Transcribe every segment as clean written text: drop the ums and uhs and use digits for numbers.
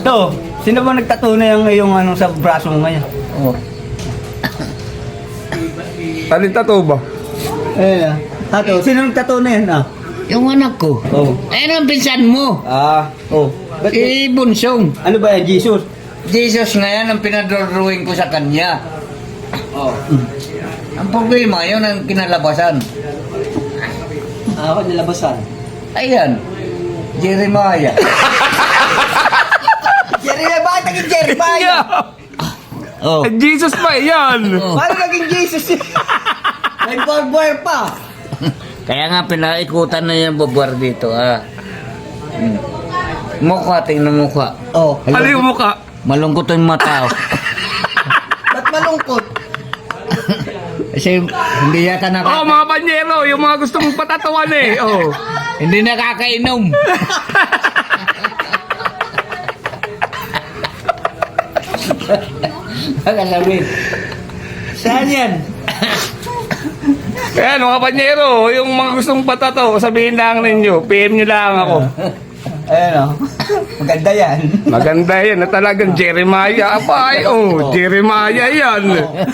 To, sino ba nagtattoo na yung ano sa braso mo ngayon? Oh. Tato ba? Eh, tato, sino nagtattoo na yan ah? Yung anak ko. Oh. Ayun ang pinsan mo. Oh. Ba't Bunsong. ano ba yan, Jesus? Jesus nga yan ang pinadrawing ko sa kanya. Oh. Ang problema, yun ang kinalabasan. Ako nilabasan. Ayan. Jeremiah. Jeremiah, bakit naging Jeremiah? Oh. Jesus pa yan! Oh. Paano naging Jesus? May barbara pa. Kaya nga pinaikutan na yung babar dito, ah. Mukha, tingnan mukha. Oh. Ano yung mukha? Malungkot yung mata. Ba't malungkot? Kasi hindi yata Oh, mga panyero, yung mga gusto mong patatawan eh. Oh. hindi nakakainom. Baka sabihin, saan yan? Ayan, mga panyero, yung mga gustong patataw, sabihin lang ninyo, PM nyo lang ako. Ayan o. Maganda yan. Maganda yan na talagang Jeremiah. Apay, oh, Jeremiah yan.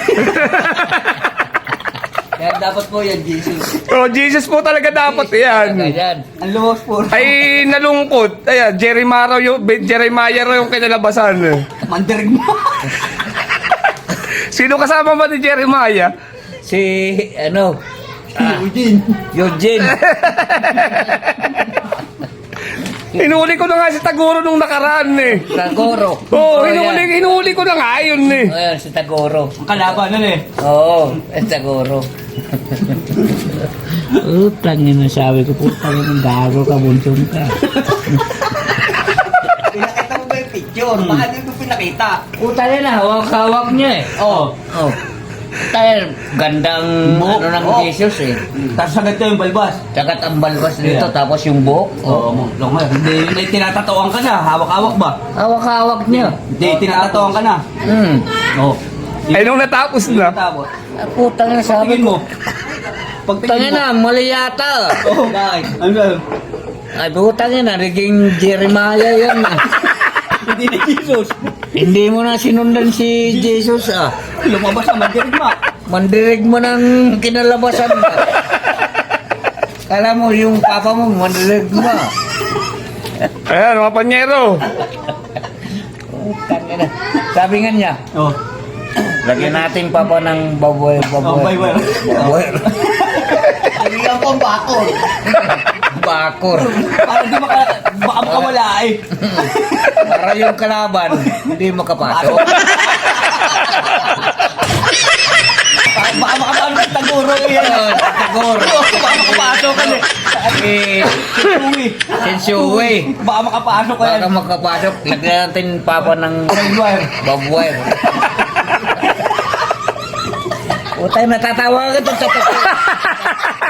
Kaya dapat po yan, Jesus. Oh, Jesus po talaga dapat yan. Ayan. Ang luwas po. Ay, nalungkot. Ayan, Jeremiah raw yung kinalabasan. Mandirig mo. Sino kasama ba ni Jeremiah? Si, ano, Eugene. Eugene. Inuli ko na nga si Tagoro nung nakaraan eh. Tagoro. Oo, Oh, yan. inuli ko na nga yun eh. Oh, yan, si Tagoro. Kalaban nun eh. Oo, Tagoro. Tangin na sabi ko, putang ng gago ka, bunsong ka. Pinakita mo ba yung picture? Bakit hindi ko pinakita? Puta na, hawak-hawak niya eh. Oo. Oh. Tayo, gandang Buhok. ano ng Oh. Jesus eh. Tapos agad yung balbas. Tsagat ang balbas dito, Yeah. tapos yung buhok. Oo. Long Hindi tinatatuan ka na. Hawak-hawak ba? Hawak-hawak niya. Hindi tinatatuan ka na. Oo. Ay, nung natapos na. Tapos. Putang na sabi Tingin mo. ko. Pagtingin Tangin mo. na, mali yata. Oo, bakit? Ano ba? Ay, putang na, naging Jeremiah yan. Hindi ni Jesus. Hindi mo na sinundan si Jesus ah. Lumabas ang mandirig mo. Mandirig mo ng kinalabasan mo. Kala mo yung papa mo, mandirig mo. Ayan, mga panyero. Tangin na. Sabi nga niya, Oo. lagyan natin papa ng baboy. Oh, bye-bye. Baboy. Lagyan ko ang bakol. Bakor. Para di baka makawala eh. Para yung kalaban, hindi makapasok. Baka makapasok ng Tagoro yan. Tagoro. Baka makapasok ka eh. Eh, Uwi. Sensuwe. Baka makapasok ka yan. Baka makapasok. Lagyan natin papa ng Bye-bye. baboy. Utay, natatawa ka doon sa totoo.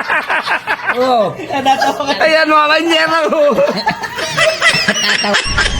Oo. Natatawa ka. Ayan, mga panyero. Natatawa.